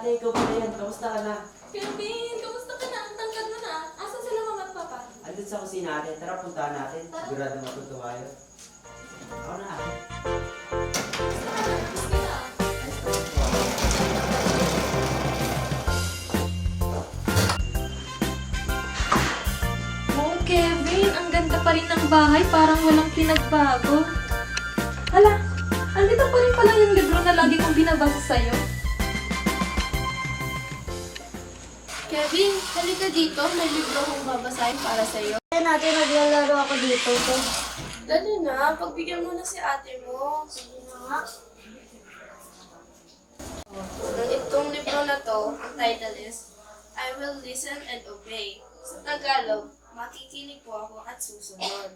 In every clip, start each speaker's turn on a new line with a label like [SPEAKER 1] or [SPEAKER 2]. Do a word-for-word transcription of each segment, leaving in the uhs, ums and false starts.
[SPEAKER 1] ate, ikaw pala yan. Kamusta ka na?
[SPEAKER 2] Kevin, kamusta ka na? Ang tangkad mo na. Asan sila mama at papa?
[SPEAKER 1] Andun sa kusina ate. Tara, puntahan natin.
[SPEAKER 2] Tara.
[SPEAKER 1] Sigurado matutuwa yun. Ako na ate.
[SPEAKER 2] Sige na. Oh, Kevin, ang ganda pa rin ng bahay. Parang walang pinagbago. Hala, andito pa rin pala yung libro na lagi kong binabasa sa'yo. Kevin, halika dito. May libro kong babasahin para sa'yo.
[SPEAKER 3] Kaya natin naglalaro ako dito. So,
[SPEAKER 2] Dali na, pagbigyan mo na si ate mo.
[SPEAKER 3] sige na nga.
[SPEAKER 2] Ang itong libro na to, ang title is, I Will Listen and Obey. Sa Tagalog, makikinig po ako at susunod.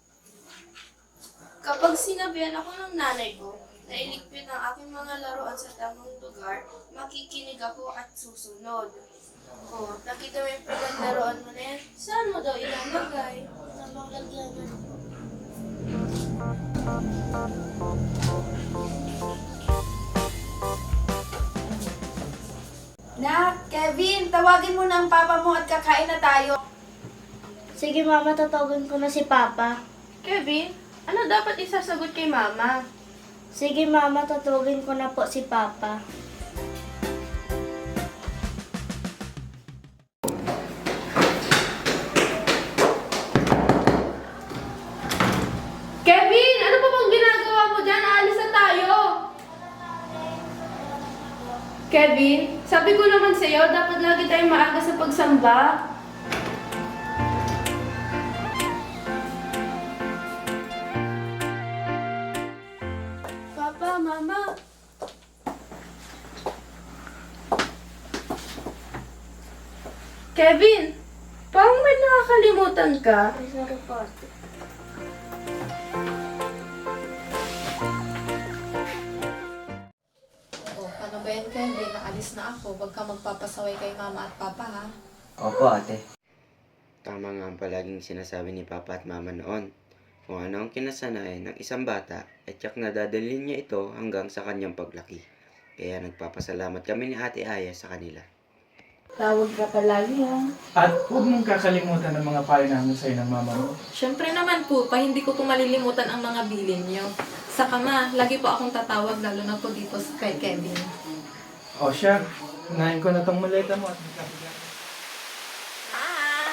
[SPEAKER 2] Kapag sinabihan ako ng nanay ko na iligpit ang aking mga laruan sa tamang lugar, makikinig ako at susunod. Oh, nakita mo yung pinaglaruan mo na yan? Saan mo daw ilalagay?
[SPEAKER 3] Tamang lagyan na.
[SPEAKER 2] Na, Kevin, tawagin mo na ang papa mo at kakain na tayo.
[SPEAKER 3] Sige mama, tatawagin ko na si Papa.
[SPEAKER 2] Kevin, ano dapat isasagot kay mama?
[SPEAKER 3] Sige mama, tatawagin ko na po si Papa.
[SPEAKER 2] Kevin, ano pa bang ginagawa mo dyan? Aalis na tayo. Kevin, sabi ko naman sa'yo, dapat lagi tayong maaga sa pagsamba. Papa, Mama. Kevin, parang may nakakalimutan ka.
[SPEAKER 3] Ay, sorry po ate.
[SPEAKER 4] Oh, ano ba yan, Kevin? Naalis na ako. Huwag ka magpapasaway kay mama at papa, ha?
[SPEAKER 1] Opo ate. Tama nga ang palaging sinasabi ni Papa at Mama noon. Kung ano ang kinasanayan ng isang bata, ay tiyak na dadalhin niya ito hanggang sa kanyang paglaki. Kaya nagpapasalamat kami ni Ate Aya sa kanila.
[SPEAKER 2] Tawag ka palagi, ha?
[SPEAKER 5] At huwag mong kakalimutan ng mga payo namin sa'yo ng mama mo.
[SPEAKER 2] Siyempre naman po, pa hindi ko po malilimutan ang mga bilin niyo. Saka ma, lagi po akong tatawag, lalo na po dito sa kay Kevin.
[SPEAKER 5] O siya, unahin ko na tong maleta mo at
[SPEAKER 2] Ma!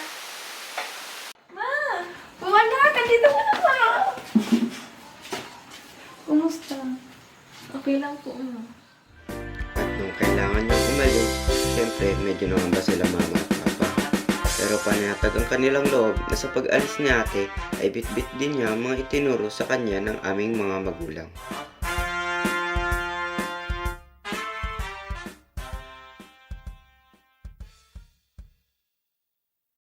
[SPEAKER 2] Ma! Wala ka dito mo na, ma! Kumusta? Okay lang po, ma.
[SPEAKER 1] At nung kailangan niyang umalis, siyempre medyo nangamba sila Mama at Papa. Pero panatag ang kanilang loob na sa pag-alis ni ate ay bitbit din niya ang mga itinuro sa kanya ng aming mga magulang.